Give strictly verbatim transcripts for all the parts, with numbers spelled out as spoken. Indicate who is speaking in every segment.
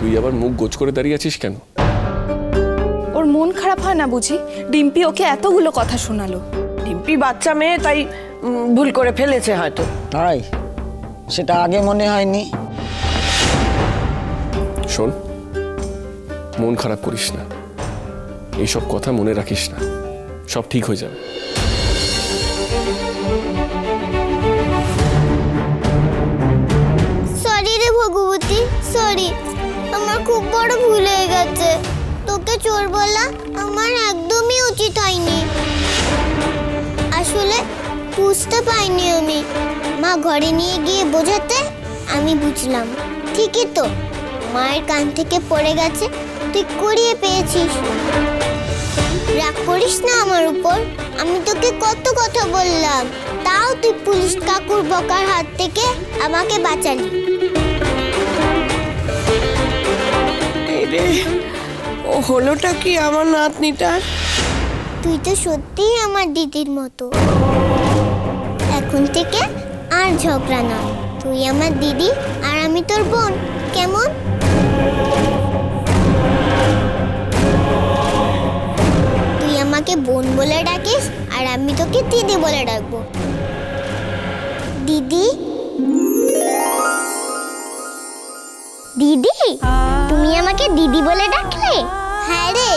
Speaker 1: তুই আবার মুখ গোছ করে দাঁড়িয়ে আছিস কেন?
Speaker 2: ওর মন খারাপ হয় না বুঝি? ডিম্পি ওকে এতগুলো কথা শোনালো।
Speaker 3: ডিম্পি বাচ্চা মেয়ে, তাই উম, ভুল করে ফেলেছে হয়তো।
Speaker 4: তাই সেটা আগে মনে হয়নি।
Speaker 1: শোন, মন খারাপ করিস না, এইসব কথা মনে রাখিস না, সব ঠিক হয়ে যাবে।
Speaker 5: সরি রে ভগবতী, সরি, আমার খুব বড় ভুল হয়ে গেছে। তোকে চোর বলা আমার একদমই উচিত হয়নি। আসলে বুঝতে পাইনি আমি। মা ঘরে নিয়ে গিয়ে বোঝাতে আমি বুঝলাম। ঠিকই তো, মায়ের কান থেকে পড়ে গেছে, তুই কুড়িয়ে পেয়েছিস। রাগ করিস না আমার উপর, আমি তোকে কত কথা বললাম, তাও তুই পুলিশ কাকুর বকার হাত থেকে আমাকে বাঁচালি।
Speaker 3: এই রে, ও হলোটা কি আমার নাতনিটার?
Speaker 5: তুই তো সত্যিই আমার দিদির মতো। এখন থেকে আর ঝগড়া না, তুই আমার দিদি আর আমি তোর বোন, কেমন? তুই আমাকে বোন বলে ডাকিস আর আমি তোকে দিদি বলে ডাকবো। দিদি, দিদি, তুমি আমাকে দিদি বলে ডাকলে? হ্যাঁ রে।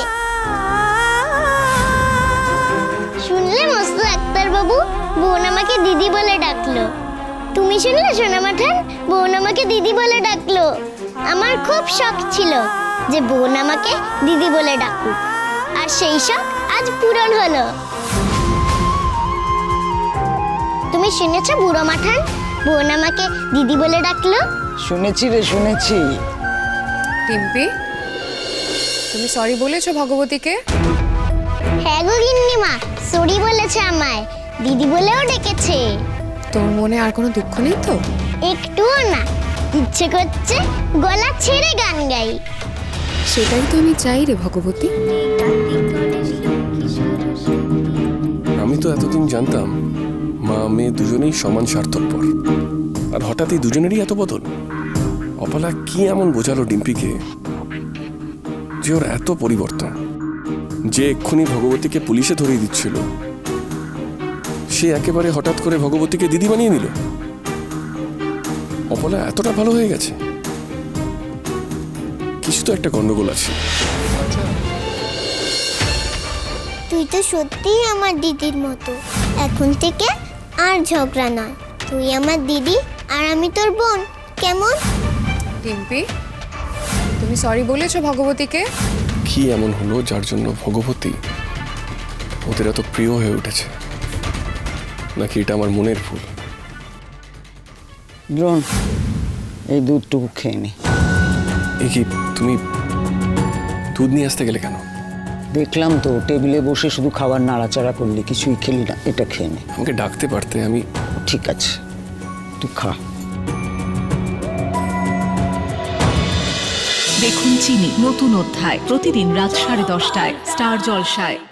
Speaker 5: শুনলে মস্ত ডাক্তার বাবু, বোন আমাকে দিদি বলে ডাকলো। তুমি শুনলে সোনা মাঠান, বোন আমাকে দিদি বলে ডাকলো। আমার খুব শখ ছিল যে বোন আমাকে দিদি বলে ডাকুক, আর সেই শখ আজ পূরণ হলো। তুমি শুনেছ বুড়ো মাঠান, বোন আমাকে দিদি বলে ডাকলো?
Speaker 4: শুনেছি রে, শুনেছি।
Speaker 2: ডিম্পি, তুমি সরি বলেছো ভগবতীকে?
Speaker 5: হ্যাঁ গো গিন্নিমা, সরি বলেছে আমায়, দিদি বলেও ডেকেছে।
Speaker 2: তোর মনে আর কোনো দুঃখ নেই তো?
Speaker 5: একটুও না, ইচ্ছে করছে গলা ছেড়ে গান গাই।
Speaker 2: সেটাই তো আমি চাই রে ভগবতী।
Speaker 1: আমি তো এতদিন জানতাম মা মেয়ে দুজনেই সমান স্বার্থপর, আর হঠাৎ এই দুজনেরই এত বদল। অপলা কি এমন বোঝালো ডিম্পিকে যে ওর এত পরিবর্তন? যে এক্ষুনি ভগবতীকে পুলিশে ধরিয়ে দিচ্ছিল, সে একেবারে হঠাৎ করে ভগবতীকে দিদি বানিয়ে নিল। অপলা এতটা ভালো হয়ে গেছে? কিছু তো একটা গন্ডগোল আছে।
Speaker 5: তুই তো সত্যিই আমার দিদির মতো। এখন থেকে আর ঝগড়া না, তুই আমার দিদি আর আমি তোর বোন, কেমন?
Speaker 2: ডিম্পি, তুমি সরি বলেছো ভগবতীকে?
Speaker 1: কি এমন হলো যার জন্য ভগবতী ওদের এত প্রিয় হয়ে উঠেছে? নাকি এটা আমার মনের ভুল?
Speaker 4: দ্রোণ, এই দুধটুকু খেয়ে নি।
Speaker 1: এ কি, তুমি দুধ নিয়ে আসতে গেলে কেন?
Speaker 4: দেখলাম তো টেবিলে বসে শুধু খাবার নাড়াচাড়া করলি, কিছুই খেলি না। এটা খেয়ে নে।
Speaker 1: আমাকে ডাকতে পারতে। আমি
Speaker 4: ঠিক আছে, তুই খা।
Speaker 6: দেখুন চিনি নতুন অধ্যায় প্রতিদিন রাত সাড়ে দশটায় স্টার জলসায়।